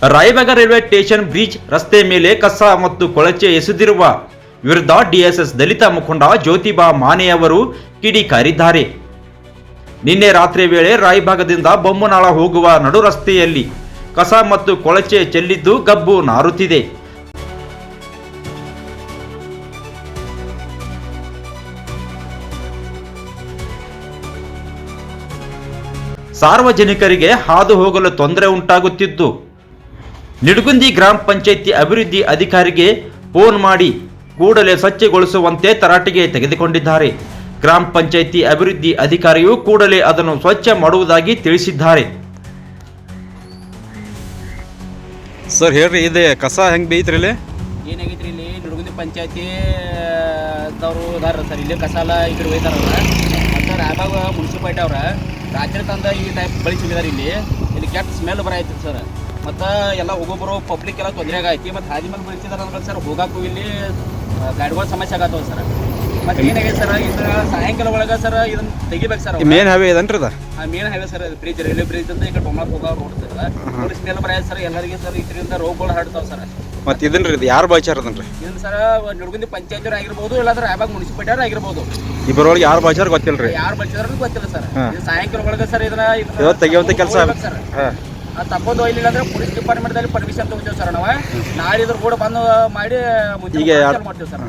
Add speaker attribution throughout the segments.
Speaker 1: Raybag railway station bridge ರಸ್ತೆ ಮೇಲೆ ಕಸ ಮತ್ತು ಕೊಳಚೆ ಎಸೆದಿರುವ ವಿರುದ್ಧ ಡಿಎಸ್ಎಸ್ ದಲಿತ ಮುಖಂಡ ಜ್ಯೋತಿಬಾ ಮಾನೆಯವರು ಕಿಡಿಕಾರಿದ್ದಾರೆ. ನಿನ್ನೆ ರಾತ್ರಿ ವೇಳೆ ರಾಯಬಾಗದಿಂದ ಬೊಮ್ಮನಾಳ ಹೋಗುವ ನಡು ರಸ್ತೆಯಲ್ಲಿ ಕಸ ಮತ್ತು ಕೊಳಚೆ ಚೆಲ್ಲಿದ್ದು ಗಬ್ಬು ನಾರುತ್ತಿದೆ. ಸಾರ್ವಜನಿಕರಿಗೆ ಹಾದು ಹೋಗಲು ತೊಂದರೆ ಉಂಟಾಗುತ್ತಿದ್ದು, ನಿಡಗುಂದಿ ಗ್ರಾಮ ಪಂಚಾಯಿತಿ ಅಭಿವೃದ್ಧಿ ಅಧಿಕಾರಿಗೆ ಫೋನ್ ಮಾಡಿ ಕೂಡಲೇ ಸ್ವಚ್ಛಗೊಳಿಸುವಂತೆ ತರಾಟೆಗೆ ತೆಗೆದುಕೊಂಡಿದ್ದಾರೆ. ಗ್ರಾಮ ಪಂಚಾಯಿತಿ ಅಭಿವೃದ್ಧಿ ಅಧಿಕಾರಿಯು ಕೂಡಲೇ ಅದನ್ನು ಸ್ವಚ್ಛ ಮಾಡುವುದಾಗಿ ತಿಳಿಸಿದ್ದಾರೆ.
Speaker 2: ಸರ್ ಹೇಳ್ರಿ, ಇದೆ ಕಸ ಹೆಂಗೆ ಬೇಯ್ತ್ರಿ? ಇಲ್ಲಿ
Speaker 3: ಏನಾಗೈತ್ರಿ, ಇಲ್ಲಿ ನಿಡಗುಂದಿ ಪಂಚಾಯತಿ ದವರು ಅದಾರ ಸರ್. ಇಲ್ಲಿ ಕಸ ಎಲ್ಲ ಈ ಕಡೆ ಒಯ್ದಾರಲ್ಲ. ಮತ್ತು ರಾಯಬಾಗ ಮುನ್ಸಿಪಾಲ್ಟಿ ಅವ್ರ ರಾತ್ರಿ ತಂದ ಈ ಟೈಪ್ ಬಳಸಿದ್ದಾರೆ. ಇಲ್ಲಿ ಕೆಟ್ಟ ಸ್ಮೆಲ್ ಬರೈತಿ ಸರ್. ಮತ್ತು ಎಲ್ಲ ಹೋಗೋಬರೋ ಪಬ್ಲಿಕ್ ಎಲ್ಲ ತೊಂದರೆ ಆಗೈತಿ. ಮತ್ತು ಹಾದಿ ಮೇಲೆ ಬಳಸಿದಾರೆ ಅಂದ್ರೆ ಸರ್ ಹೋಗಾಕು ಇಲ್ಲಿ ಗಾಡಿಗಳ ಸಮಸ್ಯೆ ಆಗತ್ತವ ಸರ್. ಮತ್ತು ಏನಾಗೈತೆ ಸರ್, ಇದನ್ನ ಸಾಯಂಕಾಲ ಒಳಗೆ ಸರ್ ಇದನ್ನ ತೆಗಿಬೇಕು ಸರ್.
Speaker 2: ಮೇನ್ ಹೈವೇ ಇದನ್ರಿ ಅದು?
Speaker 3: Main highway sir. Bridge, railway bridge ಅಂತ ಈ ಕಡೆ ಬೊಮ್ಮಕ್ಕೆ ಹೋಗೋ ರೋಡ್ ಸರ್. ಸ್ಮೆಲ್ ಬರೈತೆ ಸರ್ ಎಲ್ಲರಿಗೆ ಸರ್. ಇದರಿಂದ ರೋಗಗಳು ಹರಡ್ತಾವೆ ಸರ್.
Speaker 2: ಮತ್ತು ಇದನ್ರಿ ಇದು ಯಾರು ಬಾಯ್ಚಾರ ಅದನ್ರಿ?
Speaker 3: ಇದನ್ನ ಸರ್ ನಿಡಗುಂದಿ ಪಂಚಾಯತ್ ಆಗಿರ್ಬೋದು, ಇಲ್ಲಾಂದ್ರೆ ರಾಯಬಾಗ ಮುನ್ಸಿಪಾಲ್ಟಿ ಅವ್ರು ಆಗಿರ್ಬೋದು.
Speaker 2: ಇಬ್ಬರೊಳಗೆ ಯಾರು ಬಾಯ್ಚಾರ ಗೊತ್ತಿಲ್ರಿ?
Speaker 3: ಯಾರು ಬಳಸಿದಾರ ಗೊತ್ತಿಲ್ಲ ಸರ್. ಸಾಯಂಕಾಲ ಒಳಗೆ ಸರ್ ಇದನ್ನ
Speaker 2: ತೆಗಿಯುವಂತ ಕೆಲಸ
Speaker 3: ಸರ್. ತಪ್ಪೋದು ಒಯ್ಲಿಲ್ಲ ಅಂದ್ರೆ ಪೊಲೀಸ್ ಡಿಪಾರ್ಟ್ಮೆಂಟ್ದಲ್ಲಿ ಪರ್ಮಿಷನ್ ತಗೋತೀವಿ ಸರ್ ನಾವು. ನಾಳೆ ಇದ್ರ ಕೂಡ ಬಂದು ಮಾಡಿ
Speaker 2: ಈಗ
Speaker 3: ಮಾಡ್ತೀವಿ ಸರ್.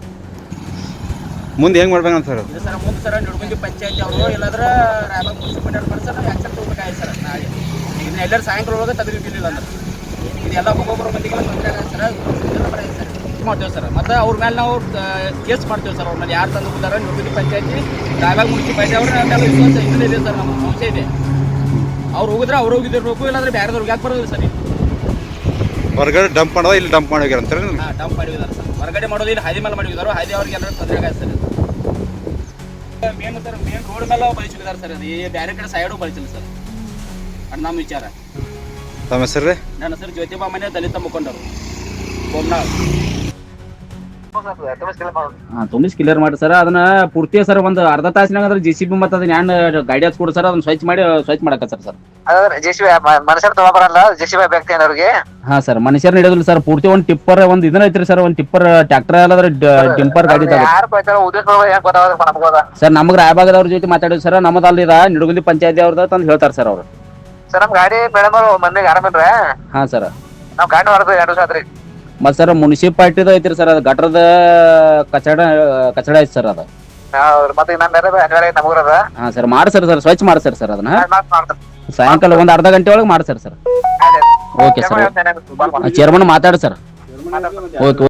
Speaker 2: ಮುಂದೆ ಹೆಂಗ್ ಮಾಡ್ಬೇಕಂತ ಸರ್?
Speaker 3: ಇದು ಸರ್ ಮುಂದೆ ಸರ್ ನಿಡಗುಂದಿ ಪಂಚಾಯತಿ ಅವರು ಇಲ್ಲಾಂದ್ರೆ ರಾಯಬಾಗ ಮುನ್ಸಿಪಾಲ್ಟಿ ಅವ್ರು ಸರ್ ನಾವು ಆ್ಯಕ್ಷನ್ ತಗೋಬೇಕಾಗಿ ಸರ್. ನಾಳೆ ಇದನ್ನ ಎಲ್ಲರೂ ಸಾಯಂಕಾಲ ಒಳಗೆ ತೆಗೆದಿಲ್ಲ ಅಂದ್ರೆ ಇದೆಲ್ಲ ಒಬ್ಬೊಬ್ಬರು ಮಂದಿಗೆಲ್ಲ ತೊಂದರೆ ಆಗುತ್ತೆ ಸರ್. ಇದೆಲ್ಲ ಬರೀ ಸರ್ ಮಾಡ್ತೇವೆ ಸರ್. ಮತ್ತು ಅವ್ರ ಮೇಲೆ ನಾವು ಕೇಸ್ ಮಾಡ್ತೇವೆ ಸರ್. ಅವ್ರ ಮೇಲೆ ಯಾರು ತಂದು ಹೋಗ್ತಾರೆ ನಿಡಗುಂದಿ ಪಂಚಾಯತಿ ರಾಯಬಾಗ ಮುನ್ಸಿಪಾಲ್ಟಿ ಅವ್ರ ಮೇಲೆ ವಿಶ್ವಾಸ ಇದೆ ಸರ್. ನಮ್ಮ ಸಂಶಯ ಇದೆ. ಅವ್ರು ಹೋಗಿದ್ರೆ ಅವ್ರು ಹೋಗಿದ್ದಿರ್ಬೇಕು, ಇಲ್ಲಾಂದ್ರೆ ಬೇರೆದವ್ರಿಗೆ ಯಾಕೆ ಬರೋದಿಲ್ಲ ಸರ್.
Speaker 2: ಹೊರಗಡೆ ಡಂಪ್ ಮಾಡೋದು, ಇಲ್ಲಿ ಡಂಪ್ ಮಾಡೋಗ್ಯಾರ ಅಂತಾರೆ?
Speaker 3: ಹಾಂ, ಡಂಪ್ ಮಾಡಿದ್ದಾರೆ ಸರ್. ಹೊರಗಡೆ ಮಾಡೋದು ಇಲ್ಲಿ ಹಾದಿ ಮೇಲೆ ಮಾಡಿದ್ದಾರೆ. ಹಾದಿ ಅವ್ರಿಗೆ ಎಲ್ಲರೂ ತೊಂದರೆ ಆಗುತ್ತೆ sir. Main sir main road ಮೇಲೆ ಬಳಸಿದ್ದಾರೆ ಸರ್. ಅದು ಬೇರೆ ಕಡೆ ಸೈಡು ಬಳಸಿಲ್ಲ ಸರ್. ಅದು ನಮ್ಮ ವಿಚಾರ.
Speaker 2: ತಮ್ಮ ಹೆಸರು?
Speaker 3: ನನ್ನ ಹೆಸರು ಜ್ಯೋತಿಬಾ ಮನೆ, ದಲಿತ ಮುಖಂಡರು, ಬೊಮ್ಮನಾಳ್. ತುಂಬಿಸಿ ಕ್ಲಿಯರ್ ಮಾಡಿ ಸರ್. ಅದನ್ನ ಪೂರ್ತಿ ಸರ್ ಒಂದು ಅರ್ಧ ತಾಸಿನಾಗ ಅದ್ರ JCB ಮತ್ತು ಅದನ್ನ ಹ್ಯಾಂಡ್ ಗಾಡಿ ಹಚ್ಕೊಡು ಸರ್. ಅದನ್ನ ಸ್ವಚ್ಛ ಮಾಡಕ ಸರ್.
Speaker 4: ಮನುಷ್ಯರು ತಗೋಬರಲ್ಲ, JCB ವ್ಯಕ್ತಿ ಅವ್ರಿಗೆ.
Speaker 3: ಹಾ ಸರ್, ಮನುಷ್ಯರು ನಡೆಯೋದಿಲ್ಲ ಸರ್. ಪೂರ್ತಿ ಒಂದು ಟಿಪ್ಪರ್ ಒಂದು ಇದನ್ನ ಐತ್ರಿ ಸರ್. ಒಂದು ಟಿಪ್ಪರ್ ಟ್ರ್ಯಾಕ್ಟರ್ ಅಲ್ಲದ್ರೆ ಟಿಂಪರ್ ಗಾಡಿ ಸರ್. ನಮ್ಗೆ ರಾಯಬಾಗದವ್ರ ಜೊತೆ ಮಾತಾಡಿದ್ರು ಸರ್. ನಮ್ಮದಲ್ಲಿ ನಿಡಗುಂದಿ ಪಂಚಾಯತಿ ಅವ್ರದ ತಂದು ಹೇಳ್ತಾರೆ ಸರ್ ಅವರು.
Speaker 4: ಸರ್ ನಮ್ ಗಾಡಿ ಮೇಡಮ್ ಮಂದಿಗೆ ಆರಾಮಿಲ್ರ?
Speaker 3: ಹಾ ಸರ್,
Speaker 4: ನಾವ್ ಗಾಡಿ ಹೊರದು 2 ದಿವಸ ಆತ್ರಿ.
Speaker 3: ಮತ್ ಸರ್ ಮುನ್ಸಿಪಾಲ್ಟಿದ ಐತ್ರಿ ಸರ್. ಅದು ಗಟ್ರದ ಕಚಡ ಐತಿ ಸರ್. ಅದು
Speaker 4: ಮತ್ತೆ ನಮಗ್ರದ.
Speaker 3: ಹಾ ಸರ್, ಮಾಡಿ ಸರ್. ಸ್ವಚ್ಛ ಮಾಡಿ ಸರ್. ಅದನ್ನ ಸಾಯಂಕಾಲ ಒಂದು ಅರ್ಧ ಗಂಟೆ ಒಳಗೆ ಮಾಡಿ ಸರ್. ಓಕೆ ಸರ್, ಚೇರ್ಮನ್ ಮಾತಾಡಿ ಸರ್. ಓಕೆ.